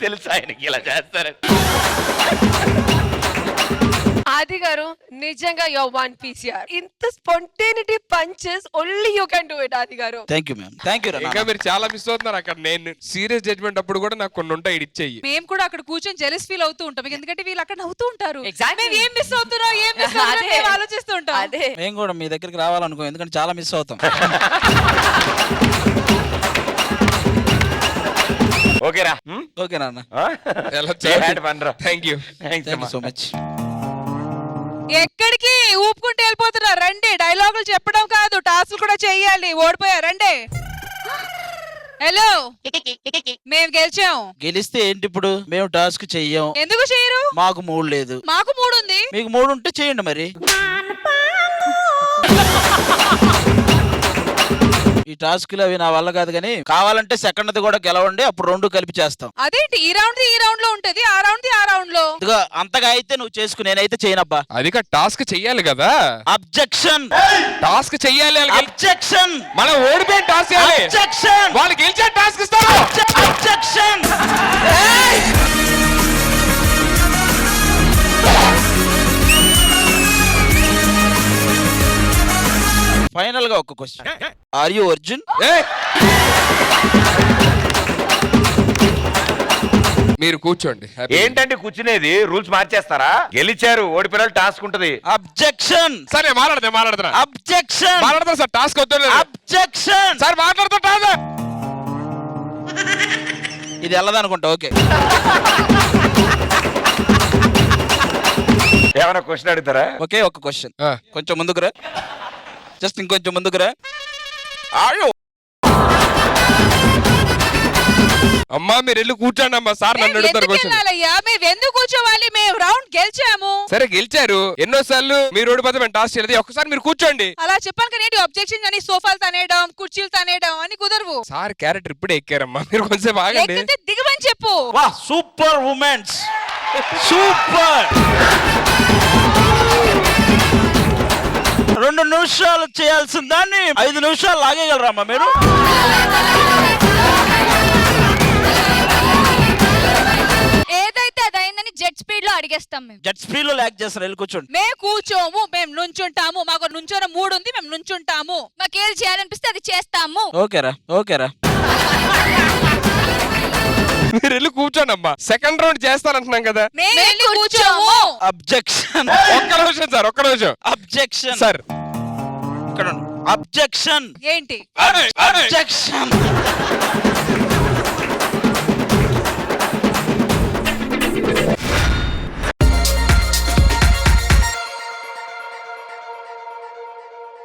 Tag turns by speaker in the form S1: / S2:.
S1: తెలుసు ఆయనకి ఇలా చేస్తారని.
S2: ఆది గారు నిజంగా యువర్ వన్ పీసీఆర్. ఇంత spontaneity punches only you can do it Aadi garu.
S3: Thank you ma'am, thank you.
S4: ఇంకా మీరు చాలా మిస్ అవుతున్నారు అక్కడ. నేను సీరియస్ జడ్జ్మెంట్ అప్పుడు కూడా నాకు కొన్ని ఉంటాయి ఇచ్చేయి.
S5: మేము కూడా అక్కడ కూర్చొని జెలస్ ఫీల్ అవుతూ ఉంటాం, ఎందుకంటే వీళ్ళు అక్కడ నవ్వుతూ ఉంటారు.
S2: Exactly.
S5: మేము ఏం మిస్ అవుతున్నాం, ఏం మిస్ అవుతున్నాం ఆలోచిస్తూ ఉంటాం.
S2: అదే
S3: మేము కూడా మీ దగ్గరికి రావాలనుకో, ఎందుకంటే చాలా మిస్ అవుతాం.
S1: ఓకేరా?
S3: ఓకే నాన్న,
S4: థ్యాంక్ యూ
S3: సో మచ్.
S5: ఎక్కడికి ఊపుకుంటూ వెళ్ళిపోతున్నారు? రండి, డైలాగులు చెప్పడం కాదు, టాస్క్ కూడా చెయ్యాలి. ఓడిపోయారు, రండి. హలో, మేము గెలిచాం.
S3: గెలిస్తే ఏంటి ఇప్పుడు? మేము టాస్క్ చెయ్యం.
S5: ఎందుకు చేయరు?
S3: మాకు మూడు లేదు.
S5: మాకు 3 ఉంది.
S3: మీకు 3 ఉంటే చేయండి మరి. ఈ టాస్క్లు అవి నా వల్ల కాదు, కానీ కావాలంటే సెకండ్ కూడా గెలవండి, అప్పుడు 2 కలిపి చేస్తాం.
S5: అదేంటి ఈ రౌండ్ లో ఉంటది, ఆ రౌండ్ లో?
S3: ఇదిగో అంతగా అయితే నువ్వు చేసుకు, నేనైతే చేయనబ్బా.
S4: అది టాస్క్ చెయ్యాలి కదా.
S3: అబ్జెక్షన్.
S4: టాస్క్ చెయ్యాలి.
S3: అబ్జెక్షన్.
S4: మనం ఓడిపోయిన టాస్క్ చేయాలి.
S3: అబ్జెక్షన్.
S4: వాళ్ళు గెలిచే టాస్క్ ఇస్తారు.
S3: అబ్జెక్షన్. ఫైనల్ గా ఒక క్వశ్చన్, ఆర్ యు అర్జున్?
S4: మీరు కూర్చోండి.
S1: ఏంటంటే కూర్చునేది? రూల్స్ మార్చేస్తారా? గెలిచారు, ఓడిపోయిన టాస్క్ ఉంటది.
S3: అబ్జెక్షన్.
S4: సరే మాట్లాడుతున్నా.
S3: అబ్జెక్షన్.
S4: మాట్లాడతా సార్, టాస్క్ వద్దు.
S3: అబ్జెక్షన్.
S4: సార్ మాట్లాడుతుంటా.
S3: ఇది వెళ్ళదనుకుంటా. ఓకే,
S1: ఏమైనా క్వశ్చన్ అడుగుతారా?
S3: ఓకే, ఒక క్వశ్చన్. కొంచెం ముందుకురా, జస్ట్ ఇంకొంచెం ముందుకురా. ఆయో
S4: అమ్మా, మీరు వెళ్ళి కూర్చోండి అమ్మా. సార్ నన్ను అడుగుతారు క్వశ్చన్.
S5: మేము ఎందుకు కూర్చోవాలి? మేము రౌండ్ గెలిచాము.
S4: సరే గెలిచారు, ఎన్నోసార్లు మీరు ఓడిపోతే మేము టాస్క్ చేయలేదు. ఒక్కసారి మీరు కూర్చోండి.
S5: అలా చెప్పాను కానీ అబ్జెక్షన్ అని సోఫాలు తనేయడం, కుర్చీలు తనేయడం అని కుదరవు.
S4: సార్ క్యారెక్టర్ ఇప్పుడే ఎక్కారమ్మా, మీరు కొంచెం ఆగండి.
S5: ఎక్కితే దిగమని చెప్పు.
S3: వా, సూపర్ ఉమెన్స్, సూపర్. 2 నిమిషాలు చేయాల్సిన దాన్ని 5 నిమిషాలు లాగేయగలరామ్మా మీరు?
S6: ఏదైతే అదైందని జెట్ స్పీడ్ లో అడిగేస్తాం. మేము
S3: జెట్ స్పీడ్ లో లాగ్ చేస్తారు. వెళ్ళి కూర్చోండి.
S5: మేము కూర్చోము, మేము నుంచుంటాము. మాకు నుంచోన 3 ఉంది, మేము నుంచుంటాము.
S6: మాకు ఏది చేయాలనిపిస్తే అది చేస్తాము.
S3: ఓకేరా, ఓకేరా.
S4: మీరు వెళ్ళి కూర్చోండి అమ్మా. సెకండ్ రౌండ్ చేస్తానంటున్నాం కదా.
S5: మేము కూర్చోము.
S3: అబ్జెక్షన్.
S4: ఒక్క నిమిషం సార్, ఒక్క నిమిషం.
S3: అబ్జెక్షన్
S4: సార్
S3: ఇక్కడ. అబ్జెక్షన్
S5: ఏంటి?
S3: అబ్జెక్షన్.